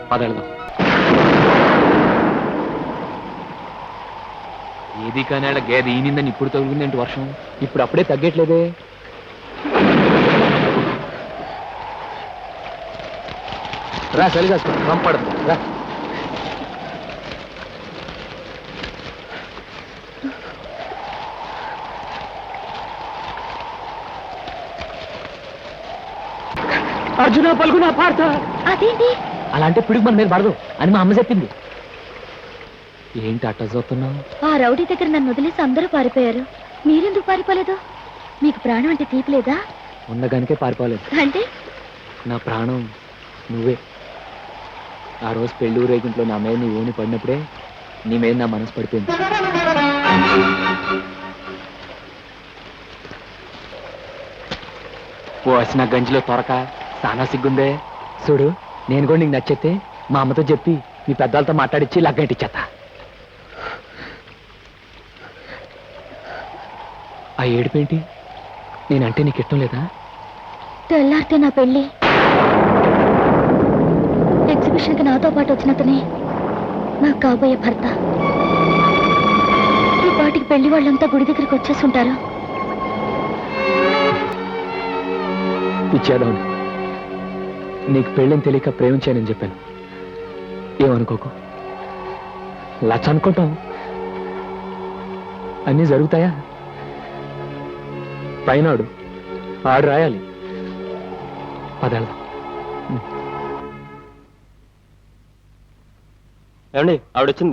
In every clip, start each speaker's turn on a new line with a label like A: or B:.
A: పదెళ్దాం. ఏది కానీ గేదె ఈనిందని ఇప్పుడు తగులుందేంటి వర్షం? ఇప్పుడు అప్పుడే తగ్గట్లేదే. రా చలిగా పంపడదు రా. అర్జున పలుకునా పార్త.
B: అదేంటి
A: అలాంటి పిడుగు మన మీద పడదు అని మా అమ్మ చెప్పింది. ఏంటి అట్ట చూస్తున్నావు?
B: ఆ రౌడీ దగ్గర నన్ను వదిలేసి అందరూ పారిపోయారు, మీరెందుకు పారిపోలేదు? మీకు ప్రాణం అంటే తీపి లేదా?
A: ఉండగానికే పారిపోలేదు.
B: అంటే
A: నా ప్రాణం నువ్వే. ఆ రోజు పెళ్లి ఊరేగింట్లో నా మీద నీ ఊని పడినప్పుడే నీ మీద నా మనసు పడిపోయింది. ఓ వచ్చిన గంజిలో త్వరక సానా సిగ్గుందే. చూడు, నేను కూడా నీకు నచ్చితే మా అమ్మతో చెప్పి మీ పెద్దలతో మాట్లాడిచ్చి లగ్గంటిచ్చేత. ఆ ఏడుపేంటి? నేనంటే నీకు ఇష్టం లేదా?
B: తెల్లారితే నా పెళ్లి. ఎగ్జిబిషన్కి నాతో పాటు వచ్చినతనే నాకు కాబోయే భర్త. ఈ పాటికి పెళ్లి వాళ్ళంతా గుడి దగ్గరికి వచ్చేసి ఉంటారు.
A: ఇచ్చేదాన్ని నీకు పెళ్ళని తెలియక ప్రేమించానని చెప్పాను. ఏమనుకోకు. లచ్చ అనుకుంటాం, అన్నీ జరుగుతాయా? పైనాడు ఆడు రాయాలి. పదేళ్దాం.
C: ఏమండి ఆవిడొచ్చింది.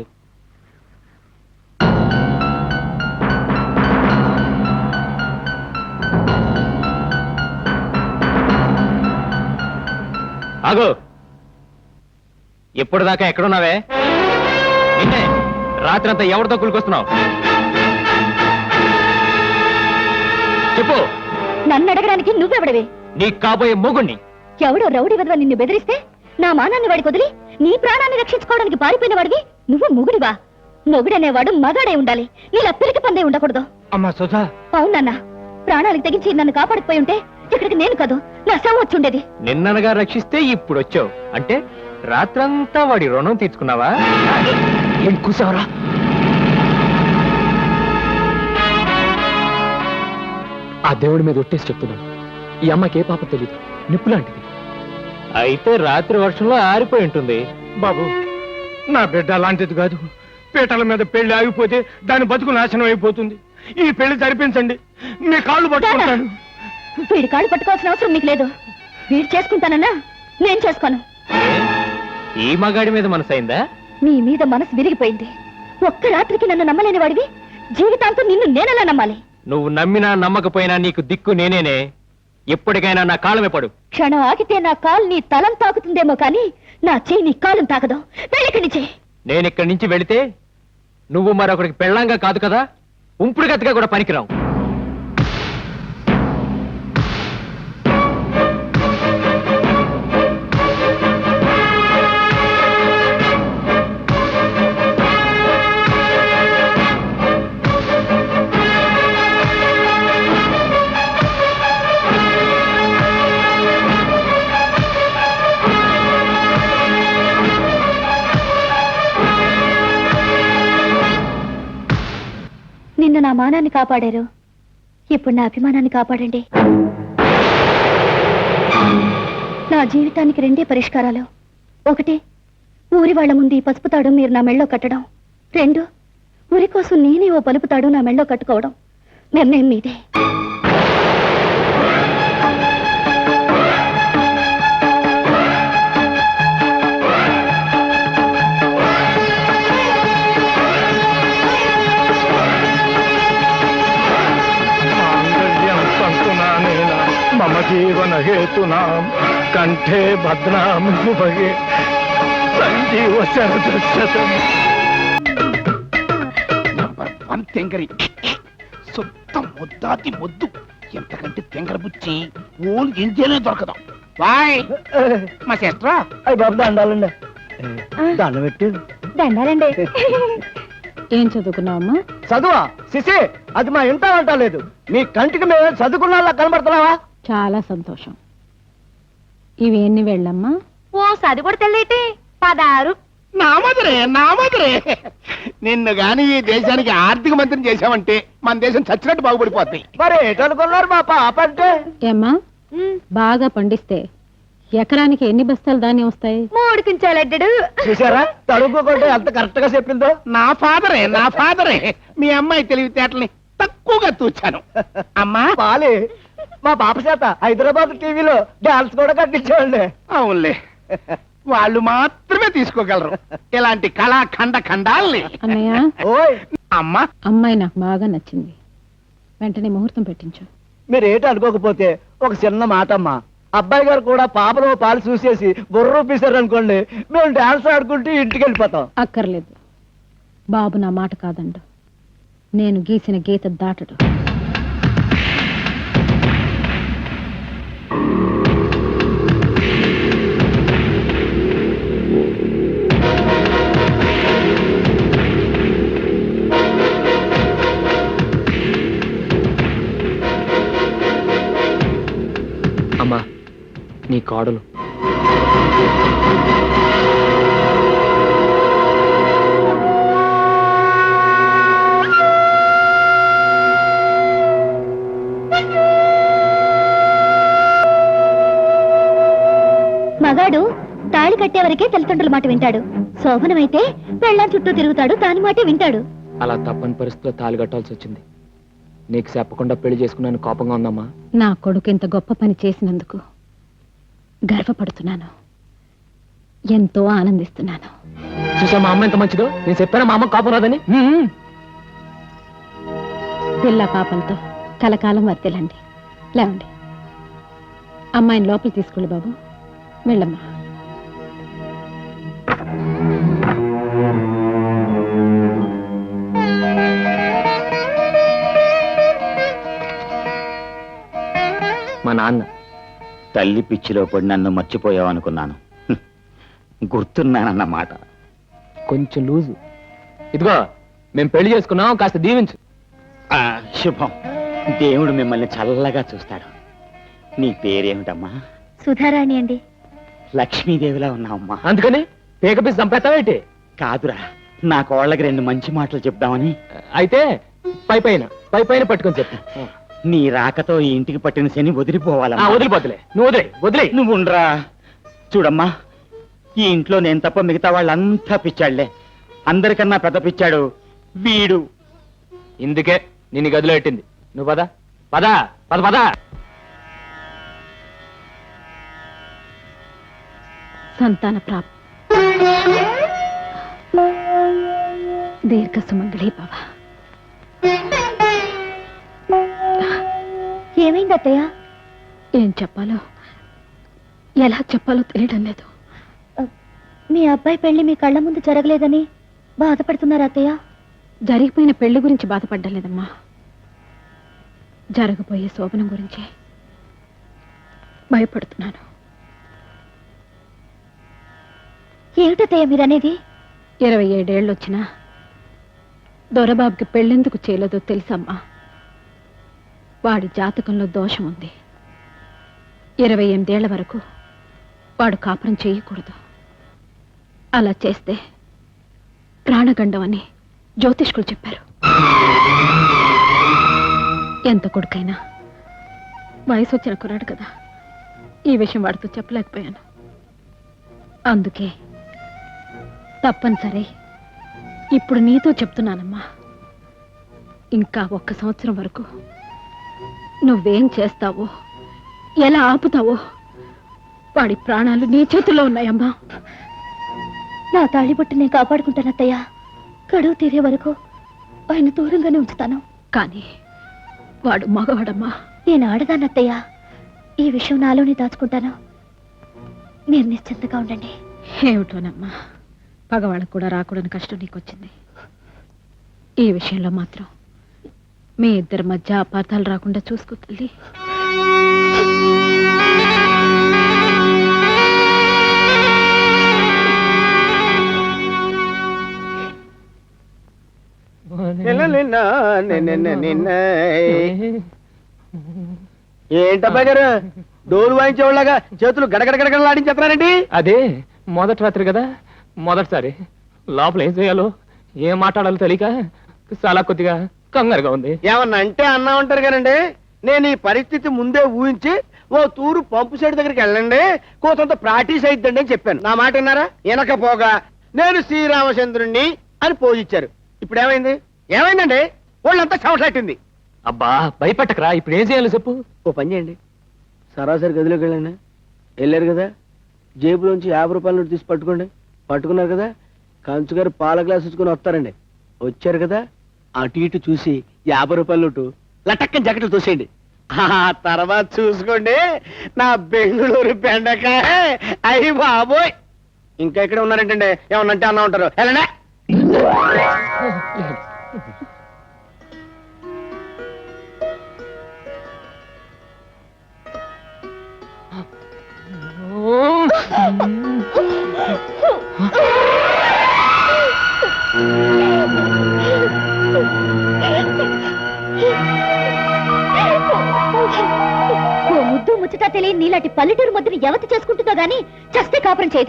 A: ఆగో, ఎప్పుడు దాకా ఎక్కడున్నావే? నిన్నే రాత్రి అంతా ఎవరితో కులుకొస్తున్నావు? చెప్పు.
B: నన్ను అడగడానికి నువ్వెవడవే?
A: నీకు కాబోయే మొగుణ్ణి.
B: ఎవడో రౌడీ వదవ నిన్ను బెదిరిస్తే నా మానాన్ని వాడికి వదిలి నీ ప్రాణాన్ని రక్షించుకోవడానికి పారిపోయిన వాడివి నువ్వు మొగుడివా? మొగుడనేవాడు మగాడే ఉండాలి, నీలా పిరికి పందే ఉండకూడదు.
A: అమ్మా సుధా.
B: అవునన్నా, ప్రాణాలకు తెగించి నన్ను కాపాడకపోయి ఉంటే ఇక్కడికి నేను కాదు నా శవం వచ్చుండేది.
A: నిన్ననగా రక్షిస్తే ఇప్పుడు వచ్చావు అంటే రాత్రంతా వాడి రుణం తీర్చుకున్నావా? ఏం కూసావరా? ఆ దేవుడి మీద ఒట్టేసి చెప్తున్నాను, ఈ అమ్మకి ఏ పాప తెలీదు, నిప్పు లాంటిది. అయితే రాత్రి వర్షంలో ఆరిపోయి ఉంటుంది.
C: బాబు, నా బిడ్డ అలాంటిది కాదు. పీటల మీద పెళ్లి ఆగిపోతే దాని బతుకు నాశనం అయిపోతుంది. ఈ పెళ్లి జరిపించండి, మీ కాళ్ళు పట్టుకుంటాను.
B: వీడి కాళ్ళు పట్టుకోవాల్సిన అవసరం మీకు లేదు. వీడు చేసుకుంటానన్నా నేను చేసుకోను.
A: ఈ మగాడి మీద మనసైందా?
B: నీ మీద మనసు విరిగిపోయింది. ఒక్క రాత్రికి నన్ను నమ్మలేని వాడివి జీవితాంతం నిన్ను నేనలా నమ్మాలి?
A: నువ్వు నమ్మినా నమ్మకపోయినా నీకు దిక్కు నేనేనే. ఎప్పటికైనా నా కాళ్ళమే పడు.
B: క్షణం ఆగితే నా కాలు నీ తలం తాకుతుందేమో కానీ నా చెయ్యి నీ కాలం తాకదు. వెళ్ళిక్కడి నుంచి.
A: నేనిక్కడి నుంచి వెళితే నువ్వు మరొకరికి పెళ్ళంగా కాదు కదా, ఉంపుడు గతిగా కూడా పనికిరావు.
B: నిన్న నా మానాన్ని కాపాడారు, ఇప్పుడు నా అభిమానాన్ని కాపాడండి. నా జీవితానికి రెండే పరిష్కారాలు. ఒకటి, ఊరి వాళ్ల ముందు ఈ పసుపు తాడు మీరు నా మెళ్ళో కట్టడం. రెండు, ఊరి కోసం నేనే ఓ పలుపు తాడు నా మెళ్ళో కట్టుకోవడం. నిర్ణయం మీదే.
C: మమ జీవన హేతునా కంఠే భద్రాం శుభగే సంజీవ శరదశతం.
D: నంబర్ 1 తెంగరి, సొంత ముద్దాతి ముద్దు. ఎంతకంటే తెంగర బుచ్చి ఓన్ ఇండియాలో దొరకదు. బాయ్ మా సిస్టర్.
C: అయ్యి బాబు దండాలండి. దండం పెట్టి.
B: దండాలండి. ఏం చదువుకున్నావమ్మా?
C: చదువా సిసి? అది మా ఇంట అంటలేదు. మీ కంటికి మేము చదువుకున్నా కనబడుతున్నావా?
E: చాలా సంతోషం. ఇవి ఎన్ని వెళ్ళమ్మా?
B: ఓ సది కూడా తెల్లేటి 16.
D: నా మధురే నిన్ను గాని ఈ దేశానికి ఆర్థిక మంత్రిని చేశావంటే మన దేశం చచ్చినట్టు బాగుపడిపోద్ది.
C: మరి ఏటనుకున్నారు మా పాప అంటే?
E: ఏమ్మా బాగా పండిస్తే ఎకరానికి ఎన్ని బస్తాలు ధాన్యం వస్తాయి?
B: 3 కించాలడ్డాడు.
C: చూసారా తడుపుకుంటే ఎంత కరెక్ట్ గా చెప్పిందో.
D: నా ఫాదరే మీ అమ్మాయి తెలివితేటల్ని తక్కువగా తూచాను. అమ్మా
C: పాలి మా పాప చేత హైదరాబాద్ టీవీలో డాన్స్ కూడా కట్టించామండి.
D: అవునులే, వాళ్ళు మాత్రమే తీసుకోగలరు ఇలాంటి ఖండాల్ని.
E: అన్నయ్య
C: ఓయ్
D: అమ్మా
E: అమ్మాయి నాకు బాగా నచ్చింది, వెంటనే ముహూర్తం పెట్టించు.
C: మీరు ఏంటి అనుకోకపోతే ఒక చిన్న మాట అమ్మా, అబ్బాయి గారు కూడా పాపలో పాలు చూసేసి బుర్రూపేశారు అనుకోండి, మేము డాన్స్ ఆడుకుంటూ ఇంటికి వెళ్ళిపోతాం.
E: అక్కర్లేదు, బాబు నా మాట కాదండు, నేను గీసిన గీత దాటడు.
A: అమ్మా నీ కోడలు.
B: మగాడు తాళి కట్టే వరకే తల్లిదండ్రుల మాట వింటాడు. శోభనమైతే పెళ్ళాం చుట్టూ తిరుగుతాడు, దాని మాటే వింటాడు.
A: అలా తప్పని పరిస్థితిలో తాళి కట్టాల్సి వచ్చింది. నీకు చెప్పకుండా పెళ్లి చేసుకున్నాను కోపంగా ఉందమ్మా.
E: నా కొడుకు ఇంత గొప్ప పని చేసినందుకు గర్వపడుతున్నాను, ఎంతో ఆనందిస్తున్నాను.
A: చూసా మా అమ్మ ఎంత మంచిదో. నేను చెప్పాను మా అమ్మ కోపం రాదని.
E: పిల్ల పాపలతో కలకాలం వర్తిల్లండి. లేవండి, అమ్మాయిని లోపల తీసుకెళ్ళి బాబు. వెళ్ళమ్మా.
A: మా నాన్న
F: తల్లి పిచ్చిలో పడి నన్ను మర్చిపోయావనుకున్నాను. గుర్తున్నానన్నమాట.
A: కొంచెం లూజు. ఇదిగో మేము పెళ్లి చేసుకున్నాం, కాస్త దీవించు.
F: శుభం. దేవుడు మిమ్మల్ని చల్లగా చూస్తాడు. నీ పేరేమిటమ్మా?
B: సుధారాణి అండి.
F: లక్ష్మీదేవిలా ఉన్నావమ్మా.
A: అందుకని పేకపీసి చంపేస్తావేంటి?
F: కాదురా, నా కోళ్ళకి 2 మంచి మాటలు చెప్దామని.
A: అయితే పై పైన పట్టుకొని చెప్పు.
F: నీ రాకతో ఈ ఇంటికి పట్టిన శని వదిలిపోవాలమ్మా.
A: వదిలిపోతులే, నువ్వు వదిలే.
F: నువ్వు ఉండరా. చూడమ్మా, ఈ ఇంట్లో నేను తప్ప మిగతా వాళ్ళంతా పిచ్చాళ్లే. అందరికన్నా పెద్ద పిచ్చాడు వీడు.
A: ఇందుకే నిన్ను గదిలో పెట్టింది. నువ్వు పద పద పద పద.
E: సంతాన ప్రాప్తి, దీర్ఘ సుమంగళి భవ.
B: ఏమైంది అత్తయ్య?
E: ఏం చెప్పాలో ఎలా చెప్పాలో తెలియడం లేదు.
B: మీ అబ్బాయి పెళ్లి మీ కళ్ళ ముందు జరగలేదని బాధపడుతున్నారు అత్తయ్య?
E: జరిగిపోయిన పెళ్లి గురించి బాధపడ్డం లేదమ్మా, జరగబోయే శోభనం గురించి భయపడుతున్నాను.
B: ఏమిటత్తయ్య మీరనేది?
E: 27 ఏళ్ళు వచ్చినా దొరబాబుకి పెళ్ళెందుకు చేయలేదో తెలుసమ్మా. వాడి జాతకంలో దోషం ఉంది. 28 ఏళ్ల వరకు వాడు కాపురం చేయకూడదు. అలా చేస్తే ప్రాణగండం అని జ్యోతిష్కులు చెప్పారు. ఎంత కొడుకైనా వయసు వచ్చిన కుర్రాడు కదా, ఈ విషయం వాడితో చెప్పలేకపోయాను. అందుకే తప్పనిసరి ఇప్పుడు నీతో చెప్తున్నానమ్మా. ఇంకా 1 సంవత్సరం వరకు నువ్వేం చేస్తావో, ఎలా ఆపుతావో వాడి ప్రాణాలు నీ చేతుల్లో ఉన్నాయమ్మా.
B: నా తాళిబొట్టు నేను కాపాడుకుంటాను అత్తయ్య. గడువు తీరే వరకు ఆయన దూరంగానే ఉంచుతాను.
E: కానీ వాడు మగవాడమ్మా.
B: నేను ఆడదానత్తయ్య. ఈ విషయం నాలోనే దాచుకుంటాను. మీరు నిశ్చింతగా ఉండండి.
E: ఏమిటోనమ్మా, పగవాళ్ళకు కూడా రాకూడని కష్టం నీకొచ్చింది. ఈ విషయంలో మాత్రం మీ ఇద్దరి మధ్య అపార్థాలు రాకుండా చూసుకో తల్లి.
C: ఏంటబ్బా గారు డోలు వాయించేవాళ్ళగా చేతులు గడగడగడగడలాడించేస్తున్నారండి?
A: అదే మొదటి రాత్రి కదా, మొదటిసారి లోపల ఏం చేయాలో ఏం మాట్లాడాలో తెలియక చాలా కొద్దిగా కంగారుగా ఉంది.
G: ఏమన్నా అంటే అన్నా ఉంటారు కానండి, నేను ఈ పరిస్థితి ముందే ఊహించి ఓ తూరు పంపు సైడ్ దగ్గరికి వెళ్ళండి, కోతంత ప్రాక్టీస్ అయిద్దండి అని చెప్పాను. నా మాట విన్నారా? వినకపోగా నేను శ్రీరామచంద్రుణ్ణి అని పోజిచ్చారు. ఇప్పుడు ఏమైంది? ఏమైందండి? వాళ్ళంతా చవట్లాట్టింది.
A: అబ్బా భయపెట్టకరా, ఇప్పుడు ఏం చేయాలో చెప్పు.
G: ఓ పని చేయండి, సరాసరి గదిలోకి వెళ్ళండి. వెళ్ళారు కదా, జేబులోంచి 50 రూపాయల నోటు తీసి పట్టుకోండి. పట్టుకున్నారు కదా, కంచుగారు పాల గ్లాస్ ఇచ్చుకొని వస్తారండి. వచ్చారు కదా, అటు ఇటు చూసి 50 రూపాయల నోటు లటక్కని జగట్లు చూసేయండి. ఆ తర్వాత చూసుకోండి నా బెంగళూరు బెండకాయ. అయ్యి బాబోయ్, ఇంకా ఇక్కడ ఉన్నారంటండి, ఏమన్నంటే అన్నా ఉంటారు. వెళ్ళండి.
B: ఓ ముద్దు ముచ్చట తెలియని నీలాంటి పల్లెటూరు ముద్దుని ఎవతి చేసుకుంటుందో గాని చస్తే కాపురం చేయదు.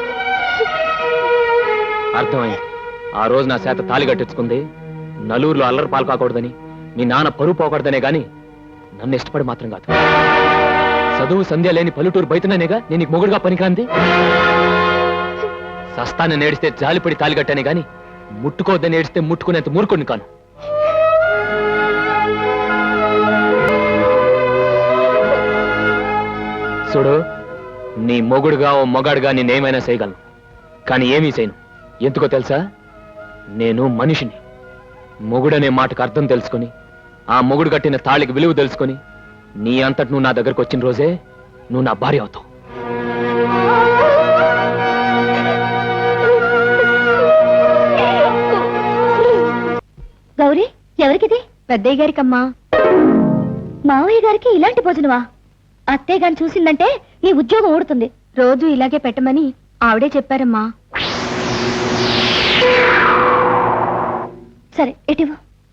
A: అర్థమైంది. ఆ రోజు నా చేత తాళి కట్టించుకుంది నలుగురిలో అల్లరి పాలు కాకూడదని, మీ నాన్న పరువు పోకూడదనే గాని నన్ను ఇష్టపడి మాత్రం కాదు. చదువు సంధ్య లేని పల్లెటూరు బయటనేగా నేను నీకు మొగుడుగా పనికిరాంది. సస్తాన్ని నేడిస్తే జాలిపడి తాళి కట్టానే గాని ముట్టుకోవద్దని ఏడిస్తే ముట్టుకునేంత మూర్ఖుడిని కాను. చూడు, నీ మొగుడుగా ఓ మొగాడుగా నేనేమైనా చేయగలను, కానీ ఏమీ చేయను. ఎందుకో తెలుసా? నేను మనిషిని. మొగుడనే మాటకు అర్థం తెలుసుకొని, ఆ మొగుడు కట్టిన తాళికి విలువ తెలుసుకొని, నీ అంతటి నువ్వు నా దగ్గరకు వచ్చిన రోజే నువ్వు నా భార్య అవుతావు.
B: గౌరీ, ఎవరికిది? పెద్దయ్య గారికమ్మా. మావయ్య గారికి ఇలాంటి భోజనమా? అత్తయ్య గారిని చూసిందంటే నీ ఉద్యోగం ఊడుతుంది. రోజు ఇలాగే పెట్టమని ఆవిడే చెప్పారమ్మా. సరే, ఎటివు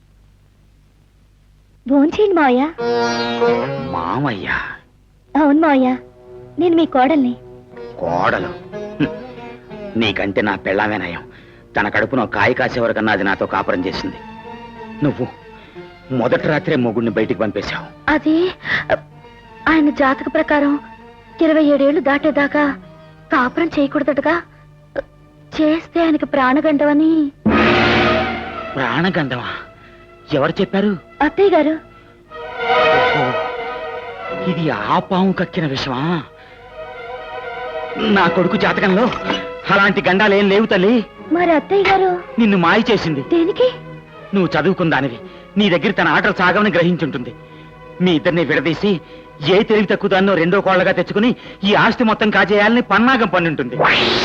B: భోంచేయండి మావయ్య.
F: మామయ్య?
B: అవును మావయ్య, నేను మీ కోడల్ని.
F: కోడలు? నీకంటే నా పెళ్ళామే నయం. తన కడుపున కాయ కాసే వరకన్నా అది నాతో కాపురం చేసింది. నువ్వు మొదటి రాత్రే మొగుడిని బయటికి పంపేశావు.
B: అది ఆయన జాతక ప్రకారం 27 ఏళ్లు దాటేదాకా కాపురం చేయకూడదటగా. చేస్తే ఆయనకి ప్రాణగండవని.
F: ప్రాణగండమా? ఎవరు చెప్పారు?
B: అత్తయ్య గారు.
F: ఓహో, ఇది ఆ పాము కక్కిన విషమా? నా కొడుకు జాతకంలో అలాంటి గండాలేం లేవు తల్లి.
B: మరి అత్తయ్య గారు
F: నిన్ను మాయ చేసింది.
B: దేనికి?
F: నువ్వు చదువుకుందానివి, నీ దగ్గర తన ఆటలు సాగమని గ్రహించుంటుంది. మీ ఇద్దరిని విడదీసి ఏ తెలివి తక్కువ దాన్నో రెండో కోళ్లగా తెచ్చుకుని ఈ ఆస్తి మొత్తం కాజేయాలని పన్నాగం పన్నుంటుంది.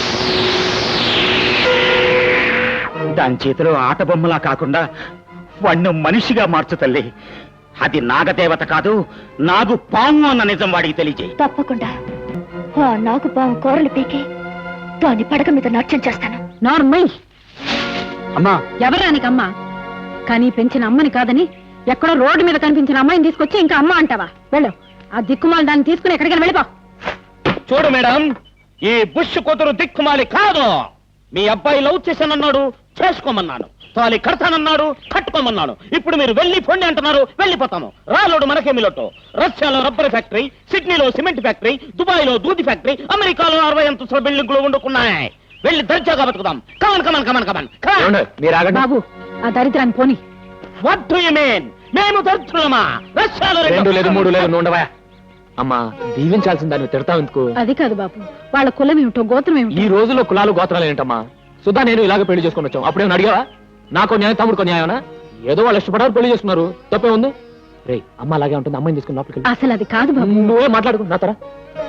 F: దాని చేతిలో ఆట బొమ్మలా కాకుండా వాణ్ణి మనిషిగా మార్చు తల్లి. అది నాగదేవత కాదు, నాగు పాము అన్న నిజం వాడికి తెలియజేయి.
B: తప్పకుండా ఆ నాగు పాము కూరలు పీకి దాని పడక మీద నాట్యం చేస్తాను.
E: నార్మల్.
F: అమ్మా,
E: ఎవరానికమ్మా? కానీ పెంచిన అమ్మని కాదని ఎక్కడో రోడ్డు మీద కనిపించిన అమ్మాయిని తీసుకొచ్చి ఇంకా అమ్మ అంటావా? వెళ్ళు, ఆ దిక్కుమాలి దాన్ని తీసుకుని ఎక్కడికైనా వెళ్ళిపో.
G: చూడు మేడం, ఈ బుష్ కూతురు దిక్కుమాలి కాదు. మీ అబ్బాయి లవ్ చేశానన్నాడు, చేసుకోమన్నాను. తాలి కడతానన్నాడు, కట్టుకోమన్నాను. ఇప్పుడు మీరు వెళ్ళి పొండి అంటున్నారు, వెళ్ళిపోతాము. రాలోడు మనకేమి లోటు. రష్యాలో రబ్బర్ ఫ్యాక్టరీ, సిడ్నీలో సిమెంట్ ఫ్యాక్టరీ, దుబాయ్లో దూది ఫ్యాక్టరీ, అమెరికాలో 60 అంతస్తుల బిల్డింగ్లు వండుకున్నాయి. వెళ్ళి దర్జాగా బతుకుదాం. Come on come on come on come on.
A: ఏమండి, మీరు ఆగండి.
E: బాబు, ఆ దరిద్రాన్ని పోని.
G: What do you mean? మేము దర్జులమా? రష్యాలో
A: 2 లేదు 3 లేదు, నువ్వు ఉండవా? అమ్మా, దీవించాల్సిన దాన్ని తిడతావు ఎందుకు?
E: అది కాదు బాబు, వాళ్ళ కులం ఏమిటో గోత్రం
A: ఈ
E: ఏమిటో.
A: రోజుల్లో కులాలు గోత్రాలు ఏంటమ్మా? సుధా నేను ఇలాగ పెళ్లి చేసుకుని వచ్చాం. అప్పుడేమో అడిగావా? నాకో న్యాయం, తమ్ముడుకో న్యాయమనా? ఏదో వాళ్ళు ఇష్టపడారు, పెళ్లి చేసుకున్నారు. తప్పే ఉంది? రే, అమ్మ అలాగే ఉంటుంది, అమ్మాయిని తీసుకుని లోపలికి వెళ్ళు.
E: అసలు అది కాదు బాబు.
A: నువ్వే మాట్లాడుకో నా తర.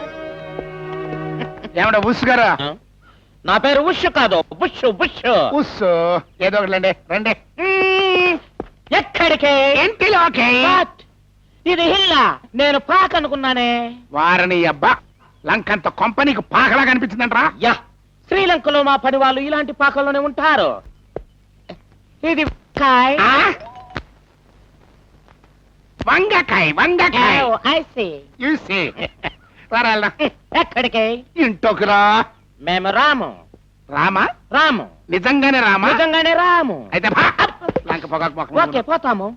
D: ఏమన్నా ఉస్ గారా?
G: నా పేరు ఉష్ కాదు, బుష్ బుష్.
D: ఉస్ ఏదో ఒకటి రండి.
G: ఎక్కడికే?
D: ఇంటిలోకి.
G: What? ఇది హిల్లా, నేను పాక్ అనుకున్నానే.
D: వారని అబ్బా, లంకంత కొంపనీకి పాకలా కనిపించిందంటరా?
G: యా, శ్రీలంకలో మా పని వాళ్ళు ఇలాంటి పాకల్లోనే ఉంటారు. ఇది కాయ్.
D: వంగకాయ వంగకాయ.
G: Oh, I see.
D: చూసి రారా.
G: ఎక్కడికి?
D: ఇంట్లోకి రా.
G: మేము రాము.
D: రామా
C: రాము
D: నిజంగానే రామా
C: నిజంగానే రాము
D: అయితే లంక పొగాకు మొక్కలు.
C: ఓకే పోతాము